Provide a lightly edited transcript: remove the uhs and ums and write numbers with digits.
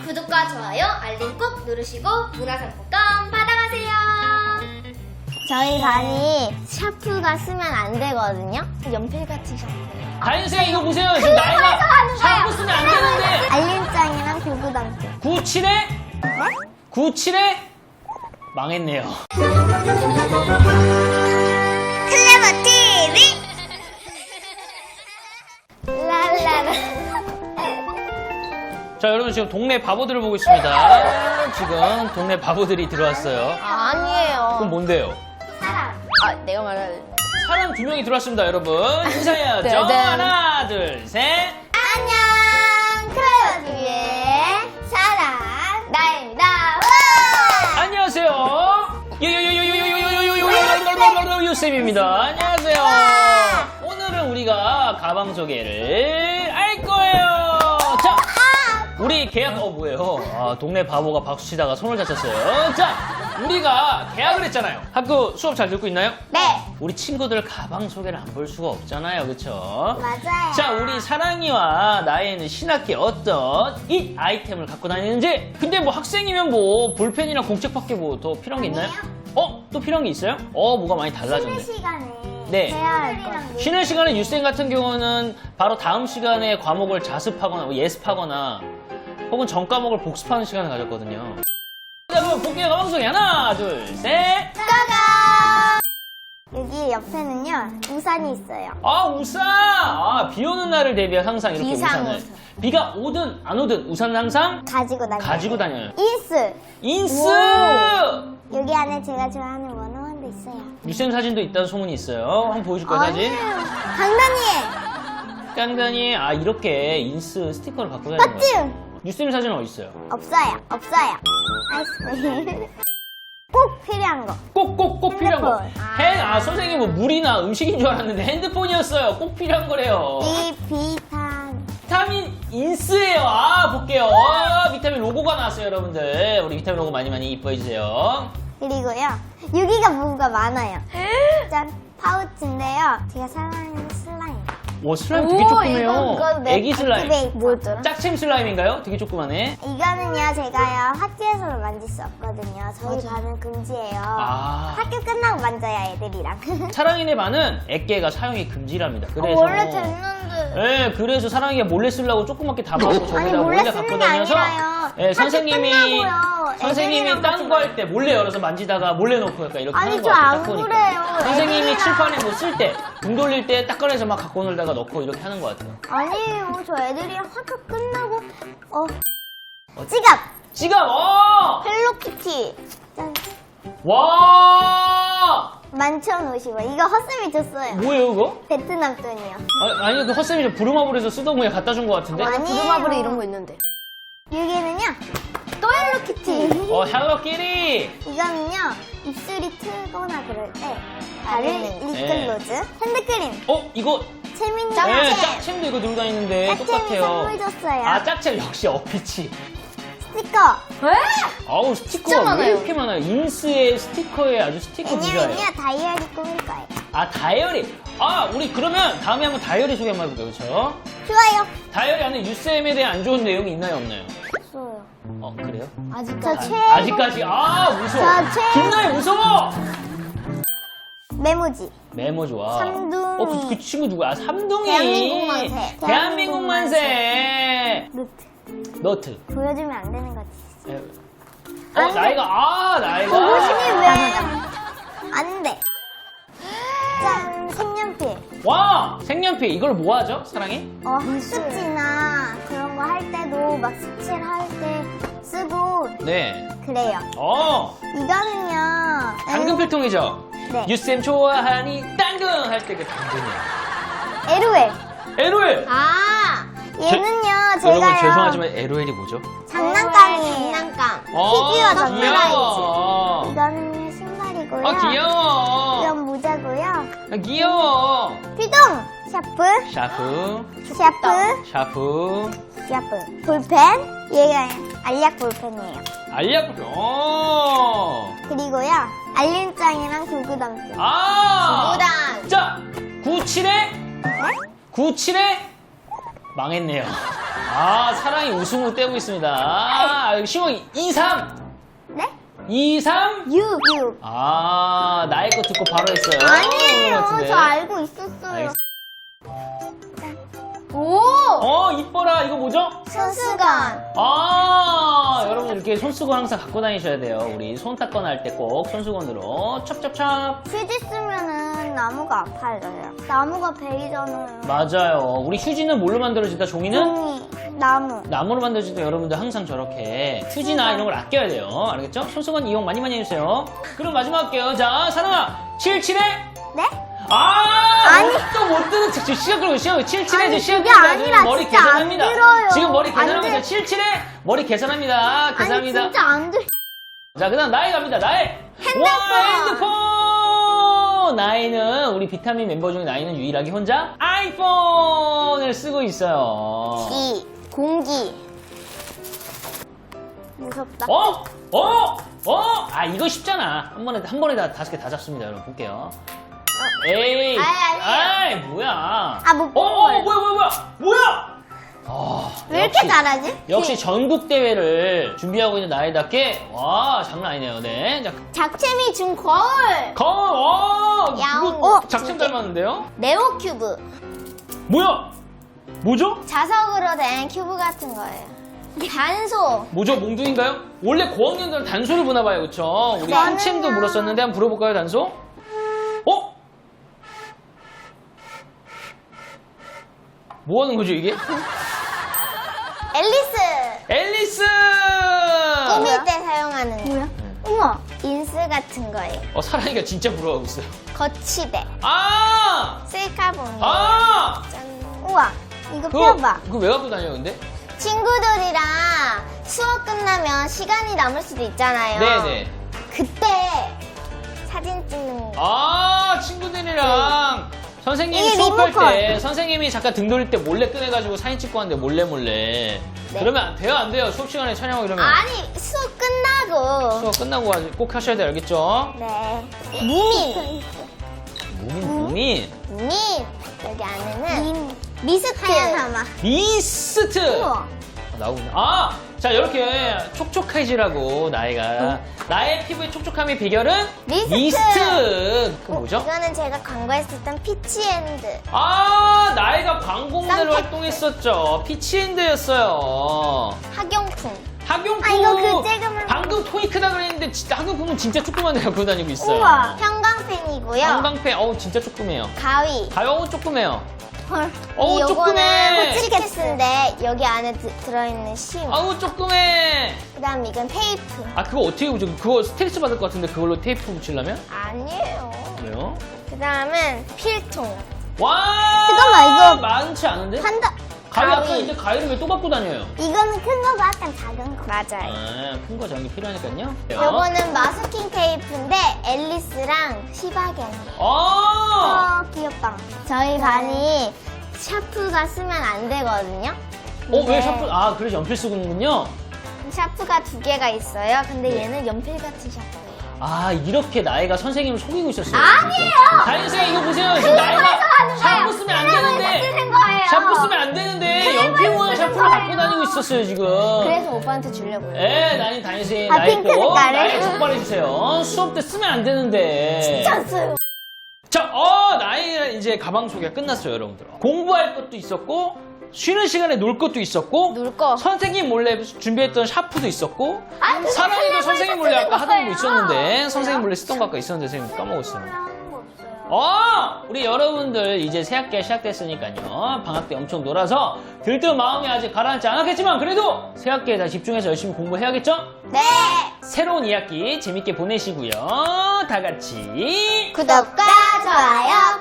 구독과 좋아요, 알림 꼭 누르시고 문화상품권 받아가세요. 저희 반이 샤프가 쓰면 안 되거든요. 연필 같은 샤프. 다인생 이거 보세요. 지금 나이가 샤프 쓰면 안 되는데. 알림장이랑 교구당장. 97에? 네? 97에? 망했네요. 클레버 TV. 랄라라. 자, 여러분 지금 동네 바보들을 보고 있습니다. 지금 동네 바보들이 들어왔어요. 아니에요. 그럼 뭔데요? 사람. 내가 말할. 사람 2명이 들어왔습니다, 여러분. 인사해야죠. 네. 하나, 둘, 셋. 안녕. 클레버 TV의 사람 나입니다. 와! 안녕하세요. 유쌤입니다. 안녕하세요. 오늘은 우리가 가방 소개를 할 거예요. 자, 우리 계약, 뭐예요? 아, 동네 바보가 박수 치다가 손을 다쳤어요. 자, 우리가 계약을 했잖아요. 학교 수업 잘 듣고 있나요? 네. 우리 친구들 가방 소개를 안 볼 수가 없잖아요. 그쵸? 맞아요. 자, 우리 사랑이와 나에는 신학기에 어떤 이 아이템을 갖고 다니는지. 근데 뭐 학생이면 뭐 볼펜이랑 공책밖에 뭐 더 필요한 게 있나요? 또 필요한 게 있어요? 뭐가 많이 달라졌네. 쉬는 시간에 네. 해야 할 거. 쉬는 시간에 유쌤 같은 경우는 바로 다음 시간에 과목을 자습하거나 뭐 예습하거나 혹은 전 과목을 복습하는 시간을 가졌거든요. 자, 그럼 볼게요. 가방 소개 하나, 둘, 셋. 짜잔! 여기 옆에는요, 우산이 있어요. 우산! 비 오는 날을 대비해 항상 이렇게 비상 우산을. 우산. 비가 오든 안 오든 우산은 항상 가지고 다녀요. 다니요. 인스! 인스! 여기 안에 제가 좋아하는 원어원도 있어요. 유쌤 사진도 있다는 소문이 있어요. 한번 보여줄까요, 사진? 강다니엘! 깐깐이, 이렇게 인스 스티커를 갖고 다니는 맞지? 거예요. 유쌤 사진은 어디 있어요? 없어요. 아이스크림. 꼭 필요한 거. 꼭 필요한 거. 핸드폰. 선생님 뭐 물이나 음식인 줄 알았는데 핸드폰이었어요. 꼭 필요한 거래요. 이 비타민. 비타민 인스예요. 볼게요. 비타민 로고가 나왔어요, 여러분들. 우리 비타민 로고 많이 이뻐해주세요. 그리고요, 여기가 뭐가 많아요. 짠, 파우치인데요. 제가 사랑하는 슬라임. 슬라임 되게 조그매요. 이거 애기 슬라임. 액티베이터. 뭐였더라? 짝챔 슬라임인가요? 되게 조그마네. 이거는요, 제가요, 학교에서는 만질 수 없거든요. 저희 반은 금지예요. 학교 끝나고 만져야 애들이랑. 사랑이네 반은 액계가 사용이 금지랍니다. 그래서 원래 됐는데. 네, 그래서 사랑이가 몰래 쓰려고 조그맣게 담아서 저기다 몰래 몰래 쓰는 갖고 게 다녀서 아니라요. 네, 선생님이 끝나고요. 선생님이 애들이랑 딴 거 할 때 몰래 열어서 만지다가 몰래 놓고 약간 이렇게 아니, 하는 저 거 같아요. 안 딱 보니까. 그래요. 선생님이 애들이랑. 칠판에 뭐 쓸 때 등 돌릴 때 딱 꺼내서 막 갖고 놀다가 넣고 이렇게 하는 거 같아요. 아니에요. 저 애들이랑 학교 끝나고, 지갑! 지갑! 헬로키티. 짠. 와! 11,050원. 이거 헛쌤이 줬어요. 뭐예요 그거? 베트남 돈이요. 아니 그 헛쌤이 저 부루마블에서 쓰던 거에 갖다 준 거 같은데? 부루마블에 이런 거 있는데. 여기는요, 또 헬로키티. 헬로키리! 이거는요, 입술이 트거나 그럴 때 바르는 립글로즈, 핸드크림, 이거 채민이 네, 짝챔, 짝챔도 이거 들고 다니는데 짝챔이 똑같아요. 선물 줬어요. 짝챔 역시 어피치. 스티커. 스티커가 왜 이렇게 많아요? 인스의 스티커에 아주 스티커 부자예요. 왜냐면요, 다이어리 꾸밀 거예요. 다이어리. 우리 그러면 다음에 한번 다이어리 소개 한번 해볼게요, 그쵸? 좋아요. 다이어리 안에 유쌤에 대한 안 좋은 내용이 있나요, 없나요? 없어요. 그래요? 저 최고. 아직까지? 무서워. 저 최고. 김나희 무서워! 메모지. 메모 좋아. 삼둥이. 그 친구 누구야? 삼둥이. 대한민국 만세. 대한민국 만세. 노트. 보여주면 안 되는 거지. 안 돼. 나이가. 보고심이 왜? 안 돼. 짠, 색연필. 와! 색연필. 이걸 뭐 하죠? 사랑이? 학습지나 그런 거 할 때도 막 색칠 할 때 쓰고 네. 그래요. 이거는요. 당근 필통이죠? 네. 유쌤 좋아하니 당근 할 때 그 당근이야. LOL. LOL! 얘는요, 여러분 제가요. 죄송하지만 LOL이 뭐죠? 장난감이에요. 장난감. 피규어 장난감. 귀여워. 이거는요, 신발이고요. 귀여워. 이건 모자고요. 귀여워. 필동. 샤프. 샤프. 볼펜. 얘가 알약 볼펜이에요. 알약. 그리고요, 알림장이랑 교구당장. 자, 97에? 97에? 망했네요. 아, 사랑이 웃음을 떼고 있습니다. 아, 시원이 2-3. 네? 2-3. 6. 아, 나의 거 듣고 바로 했어요. 그런 것 아니에요. 같은데. 저 알고 있었어요. 알겠- 오! 이뻐라. 이거 뭐죠? 손수건. 아, 여러분 이렇게 손수건 항상 갖고 다니셔야 돼요. 우리 손 닦거나 할 때 꼭 손수건으로 찹찹찹. 휴지 쓰면은 나무가 아파져요. 나무가 베이잖아요. 맞아요. 우리 휴지는 뭘로 만들어진다? 종이는? 종이, 나무. 나무로 만들어질 때 여러분들 항상 저렇게 휴지나 이런 걸 아껴야 돼요. 알겠죠? 손수건 이용 많이 해주세요. 그럼 마지막 할게요. 자, 사랑아. 77에? 네? 아니. 또 못 듣는 척. 시간 끌고 시간 77에 아니, 시간 그게 끌고 아니라 머리 진짜 안 계산합니다. 들어요. 지금 머리 안 계산합니다. 돼. 77에 머리 계산합니다. 아니, 계산합니다. 진짜 안 들. 자, 그 다음 나이 갑니다. 나이. 핸드폰. 와, 핸드폰. 나이는 우리 비타민 멤버 중에 나이는 유일하게 혼자 아이폰을 쓰고 있어요. 공기. 무섭다. 아, 이거 쉽잖아. 한 번에 다 5개 다 잡습니다. 여러분 볼게요. 에이. 아니. 뭐야. 못 본 거예요. 뭐야. 아, 왜 이렇게 잘하지? 역시 전국 대회를 준비하고 있는 나이답게 와, 장난 아니네요. 네. 자, 작채미 준 거울. 야옹. 이거 작품 닮았는데요? 네오 큐브. 뭐야? 뭐죠? 자석으로 된 큐브 같은 거예요. 단소. 뭐죠? 몽둥인가요? 원래 고학년들은 단소를 보나 봐요. 그쵸? 우리 저는요. 한챔도 물었었는데 한번 불어볼까요, 단소? 뭐 하는 거죠, 이게? 앨리스! 꾸밀 때 사용하는 뭐야? 우와. 인스 같은 거예요. 사랑이가 진짜 부러워하고 있어요. 거치대. 아! 셀카봉이. 아! 짠. 우와. 이거 펴봐. 그거 왜 갖고 다녀요, 근데? 친구들이랑 수업 끝나면 시간이 남을 수도 있잖아요. 네네. 그때 사진 찍는 거. 아, 친구들이랑 선생님이 이게 수업할 리모컨. 때 선생님이 잠깐 등 돌릴 때 몰래 꺼내가지고 사진 찍고 하는데 몰래. 네. 그러면 안 돼요, 안 돼요. 수업 시간에 촬영하고 이러면. 아니, 수업 끝나고. 수업 끝나고 꼭 하셔야 돼요, 알겠죠? 네. 무민. 무민. 무민. 여기 안에는 미스트. 하얀 하마. 미스트! 우와. 나오구나. 아! 자, 이렇게 촉촉해지라고 나이가. 나의 피부의 촉촉함의 비결은 미스트. 그 뭐죠? 이거는 제가 광고했었던 피치앤드. 아, 나이가 광고 모델로 썬택. 활동했었죠. 피치핸드였어요. 학용품. 학용품. 아, 이거 그 쬐그만. 방금 토이크다 그랬는데 진짜 학용품은 진짜 조그만 데 갖고 다니고 있어요. 우와. 형광펜이고요. 형광펜, 진짜 조그매요. 가위. 가요, 조그매요. 헐. 어우, 요거는 조그매. 호치케스인데 여기 안에 들어있는 심. 아우, 조그매. 그다음 이건 테이프. 아, 그거 어떻게 붙여? 그거 스트레스 받을 것 같은데 그걸로 테이프 붙이려면? 아니에요. 왜요? 그다음은 필통. 와! 잠깐만, 이거 많지 않은데? 판다. 가위 아까 이제 가위를 왜 또 갖고 다녀요? 이거는 큰 거고 약간 작은 거. 맞아요. 큰 거 저런 게 필요하니까요. 요거는 마스킹 테이프인데 앨리스랑 시바견. 귀엽다. 저희 반이 샤프가 쓰면 안 되거든요. 왜 근데 샤프? 그래서 연필 쓰는군요. 샤프가 2개가 있어요. 근데 얘는 연필 같은 샤프예요. 이렇게 나이가 선생님을 속이고 있었어요. 아니에요! 다인쌤 이거 보세요. 지금 나이가 샤프 쓰면 안 되는데. 쓰는 거예요. 샤프 쓰면 안 되는데 연필 모양 샤프를 갖고 다니고 있었어요, 지금. 그래서 오빠한테 주려고요. 나이 다인쌤 아, 나이 핑크 또 색깔을? 나이 적발해주세요. 수업 때 쓰면 안 되는데. 진짜 써요. 자, 나이 이제 가방 소개가 끝났어요, 여러분들. 공부할 것도 있었고, 쉬는 시간에 놀 것도 있었고, 놀 거. 선생님 몰래 준비했던 샤프도 있었고, 아, 사랑이도 선생님 몰래 아까 하던 거 거예요. 있었는데, 선생님 몰래 쓰던 거 아까 있었는데, 선생님 까먹었어요. 하는 거 없어요. 우리 여러분들 이제 새학기가 시작됐으니까요. 방학 때 엄청 놀아서 들뜬 마음이 아직 가라앉지 않았겠지만, 그래도 새학기에 다 집중해서 열심히 공부해야겠죠? 네. 새로운 2학기 재밌게 보내시고요. 다 같이. 구독과 좋아요